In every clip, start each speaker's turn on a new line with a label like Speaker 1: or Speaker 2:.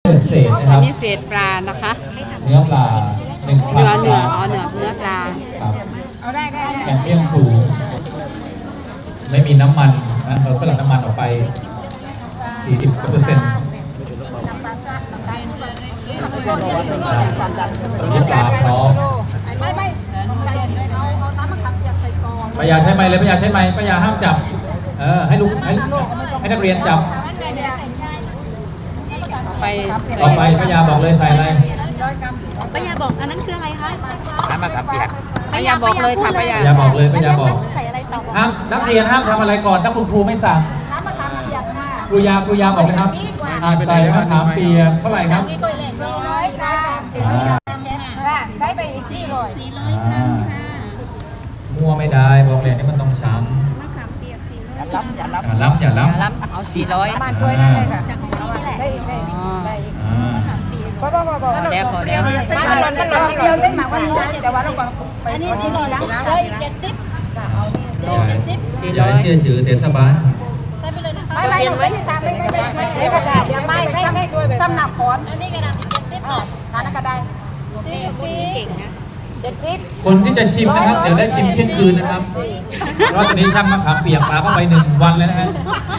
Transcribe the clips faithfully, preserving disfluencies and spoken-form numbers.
Speaker 1: เศษนะครับ
Speaker 2: นี่เศษปลานะคะ
Speaker 1: เนื้อปลาหนึ่งพัน
Speaker 2: เนื้อเนื้ออ๋อเนื้อเนื้อปลา
Speaker 1: ครับแคลเซียมสูงไม่มีน้ำมันนะเราสลัดน้ำมันออกไป สี่สิบเปอร์เซ็นต์ตอนนี้ปลาพร้อมปายาใช้ไม้เลยปายาใช้ไม้ปายาห้ามจับเออให้ลูกให้ให้นักเรียนจับ
Speaker 2: ไป
Speaker 1: ต่อไปปายาบอกเลยใส่อะไร
Speaker 3: ปายาบอกอันนั้นคืออะไรคะ
Speaker 1: น้ำมะขามเปียก
Speaker 2: ปายาบอกเลยค่ะปายา
Speaker 1: ปายาบอกเลยปายาบอก
Speaker 3: ใส่อะไรต่อ
Speaker 1: ห้ามนักเรียนห้ามทำอะไรก่อนถ้าคุณครูไม่สั่งครูยาครูยาบอกเลยครับใส่มะขามเปียกเท่าไหร่ครับ
Speaker 3: สี่ร้อยค่ะได้ไปอีกสี่ร้อยสี่ร้อย
Speaker 1: มั่วไม่ได้บอกเลยนี่มันต้องช้ำ
Speaker 3: มะขามเปียกสี่ร้อย
Speaker 1: อย่าล้ำอย่าล้ำอย่าล้ำ
Speaker 2: ล้ำเอาสี่ร้อย
Speaker 3: มาช่วยนั่นเลยค่ะจากของนี่นี่แหละได้อีกได้อีกได้อีกมะขามเปียกพอพอพอพอ
Speaker 2: แล้วพอแล้ว
Speaker 3: เส้นร้อนเส้นร้อนเดียวเส้นหมักวันนี้นะแต่ว่าเราก่อนไปอันนี้สี่ร้อยนะได้เจ็ดสิบเจ็ดสิบ
Speaker 2: สี่ร้อย
Speaker 1: เชื่อชื่อเทศบาล
Speaker 3: ไม่ไม่ไม่ไม่ตามไม่ไม่ไม่ไม่ไม่กระดาษยังไม่ไม่ไม่ด้วยจำหนักคอนอันนี้กระดาษเจ็ดสิบอ่ะทานกระดาษสี่สิบเก่งนะเจ็ดสิบ
Speaker 1: คนที่จะชิมนะครับเดี๋ยวได้ชิมเที่ยงคืนนะครับเพราะตอนนี้ช่างมะขามเปียกปลาเข้าไปหนึ่งวันเลยนะฮะ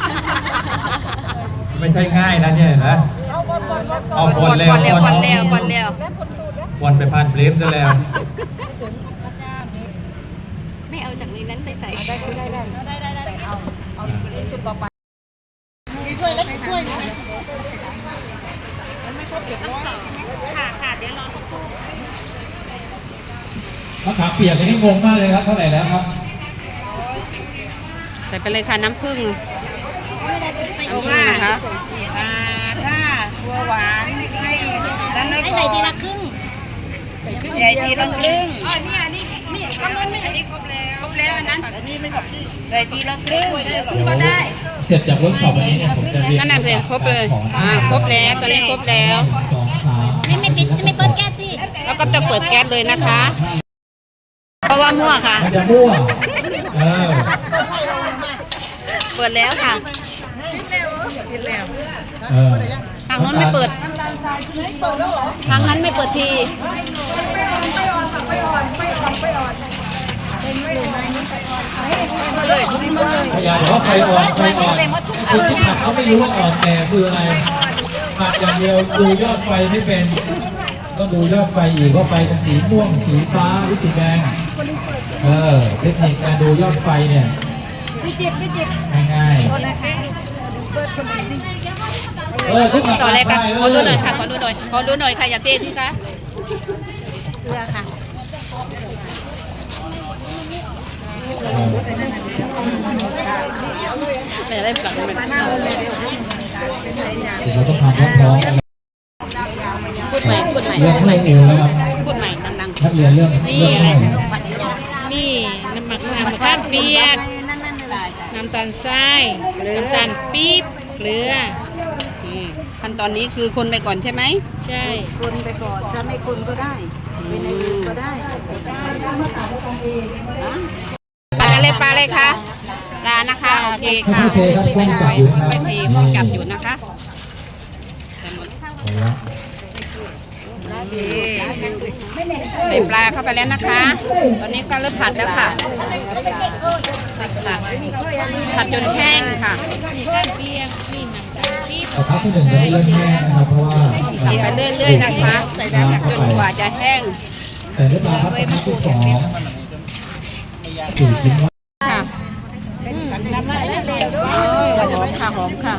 Speaker 1: ไม่ใช่ง่ายนะเนี่ยนะเอาบอลแล้ว
Speaker 2: บอลแล้วบอลแล้วบอลแล้ว
Speaker 1: บอลไปผ่านเพลมซะแล้ว
Speaker 3: ไม่เอาจากนี้นั้นไปใส่ได้ได้ได้ได้ได้ได้เอาเอาชุดต่อไปช่วยเล็กช่วยมันไม่ครบเจ็ดร้อยค่ะค่ะเดี๋ยวรอสักครู่
Speaker 1: มะขามเปียกนี่งงมากเลยครับเท่าไหร่แล้วครับ
Speaker 2: ใส่ไปเลยค่ะน้ำผึ้งน้ำผึ้งนะคะ
Speaker 3: ถ้าตัวหวานให้ให้ใส่ทีละครึ่งใส่ทีละครึ่งอ๋อนี่อันนี้มีก็มันอันนี้ครบแล้วครบแล้วอันนั้นอันนี้ไม่ครบใส่ทีละครึ่งครึ่งก็ได้
Speaker 1: เสร็จจากเวิร์กช็อปวันนี้เนี่ยผมจะเรียน
Speaker 2: นั่นน่ะเสร็จครบเลยอ่าครบแล้วตอนนี้ครบแล้ว
Speaker 3: ไม่ไม่ปิดไม่เปิดแก๊สสิ
Speaker 2: แล้วก็จะเปิดแก๊สเลยนะคะเพราะว่ามั่วค่ะ
Speaker 1: มันจะมั่วเออ
Speaker 2: เปิดแล้วค่ะทางนั้นไม่เปิดทางนั้นไม่เปิดที
Speaker 1: พยายามบอกว่าไฟอ่อนไฟอ่อนคนที่ผัดเขาไม่รู้ว่าอ่อนแต่คืออะไรผัดอย่างเดียวดูยอดไฟไม่เป็นก็ดูยอดไฟอีกว่าไฟเป็นสีม่วงสีฟ้าหรือสีแดงเออเทคนิคการดูยอดไฟเนี่ยง่ายๆเออทุก
Speaker 2: ต่อเลยค่ะขอดูหน่อยค่ะขอดูหน่อยขอดูหน่อยค่ะอย่าเต้นสิคะเกลือค่ะแต่ได้ปลักมัน
Speaker 1: เราต้องทำพร้อมๆ
Speaker 2: พูดใหม่พูดใหม่
Speaker 1: เรื่องอะไรเองนะครับ
Speaker 2: พูดใหม่ดังๆ
Speaker 1: นักเรียนเรื่อง
Speaker 2: นี่อะไรนี่น้ำหมักน้ำมะขามเปียกน้ำตาลทรายน้ำตาลปี๊บเกลือขั้นตอนนี้คือคนไปก่อนใช่ไหมใช่
Speaker 3: คนไปก่อนถ้าไม่คนก็ได้เป็นในอื่นก็ได้
Speaker 2: ปลาอะไรปลาอะไรคะปลานะคะโอเคค่ะไปไปไปทีมันจับอยู่นะคะใส่ปลาเข้าไปแล้วนะคะตอนนี้ก็เริ่มผัดแล้วค่ะผัดผัดจนแห้งค่ะ
Speaker 1: ผัดที่หนึ่งจะเริ่มแห้งนะครับเพราะว่า
Speaker 2: ผัดไปเรื่อยๆนะคะจนกว่าจะแห้ง
Speaker 1: แต่เรื่องราวผัดที่สองสี่ชิ้น
Speaker 2: ค่ะหอมค่ะหอมค่ะ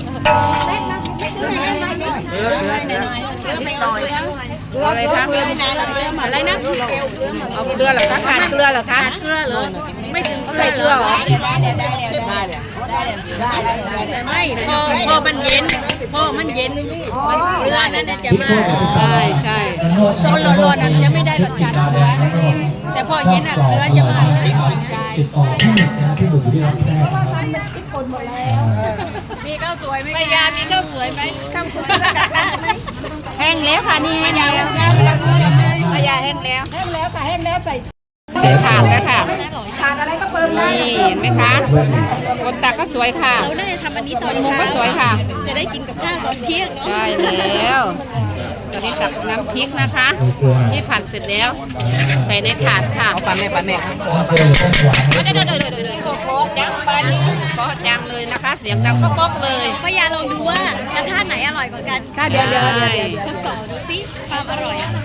Speaker 2: อะไรคะอะไรนะเอาเกลือเหรอคะขาดเกลือเหรอคะ
Speaker 3: เกลือเหรอไม่ถึง
Speaker 2: ใส่เกลือเหรอ
Speaker 3: ได้ได้ได้ได้เลยได้เลยไม่พอพอมันเย็นพอมันเย็นเกลือนั้นจะมา
Speaker 2: ใช่ใช่
Speaker 3: ตอนร้อนๆนั้นจะไม่ได้รสชาติเกลือแต่พอเย็นอ่ะเกลือจะมาเลยได้มีข้าวสวยไหมพยามีข้าวสวยไหมข้าวสวย
Speaker 2: แห้งแล้วค่ะนี่แห้งแล้วพยาแห้งแล้ว
Speaker 3: แห้งแล้วค่ะแห้งแล้วใส่
Speaker 2: ในถาดแล้วค่ะ
Speaker 3: ทานอะไรก็เปิดได้
Speaker 2: นี่เห็นไหมคะคนตักก็สวยค่ะ
Speaker 3: เราน่าจะทำอันนี้ตอน
Speaker 2: มุม
Speaker 3: เช้า
Speaker 2: ก็สวยค่ะ
Speaker 3: จะได้กินกับข้าวตอนเที่ยงเนาะ
Speaker 2: ใช่แล้วตอนนี้ตักน้ำพริกนะคะ ที่ผัดเสร็จแล้ว ใส่ในถาดค่ะปลาแม่ปลาแม่
Speaker 1: ถ้าเจอต้องหวาน
Speaker 2: โดยโดยโดยโดยโดยโคโคจังปานนี้ก็จังเลยนะคะ เสียงดังป๊อกๆเลย
Speaker 3: พยาลองดูว่ากระทะไหนอร่อยกว่ากัน
Speaker 2: ค่ะเดี๋ยวเดี๋ยวเดี๋ยว
Speaker 3: ทดสอบดูสิความอร่อยอะ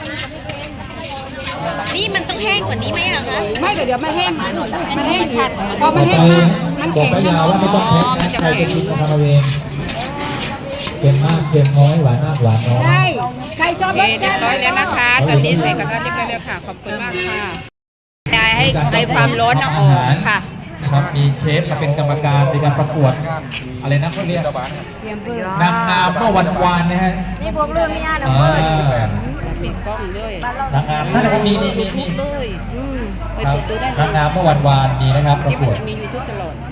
Speaker 3: นี่มันต้องแห้งกว่านี้ไหมอะคะ
Speaker 2: ไม่เดี๋ยวเดี๋ยวมันแห้งมันแห้งพอ
Speaker 1: ต่อ
Speaker 2: มัน
Speaker 1: ไป
Speaker 2: แห้งมากมัน
Speaker 1: บอก
Speaker 2: แข็ง
Speaker 1: ป้ายาว่าไม่ต้องแพ็คนะใครจะกินก็ทำเอาเองเค็มมากเค็มน้อยหวานมากหวานน้อย
Speaker 3: ใช่ใครชอบ
Speaker 2: โอเคเรียบร้อยแล้วนะคะ ตอนนี้ใส่กระทะเรียบร้อยแล้วค่ะ ขอบคุณมากค่ะยายให้ให้ความร้อนออกค่ะ
Speaker 1: นะครับมีเชฟมาเป็นกรรมการในการประกวดอะไรนะเขาเรียกนางงามเมื่อวันวานนะฮะ
Speaker 3: นี่พวกเรื่องนี้นะ
Speaker 1: อ่า
Speaker 2: ปิดกล้องด้วย
Speaker 1: นางงามนั่นแหละมีมีมีมี
Speaker 2: ด้วยอืมไป
Speaker 1: ครับ
Speaker 2: เปิดดูได้
Speaker 1: นาง
Speaker 2: นะ
Speaker 1: งามเมื่อวันวานมีนะครับประ
Speaker 2: ที่
Speaker 1: ก
Speaker 2: มัน
Speaker 1: วด
Speaker 2: จะมียูทูบตลอด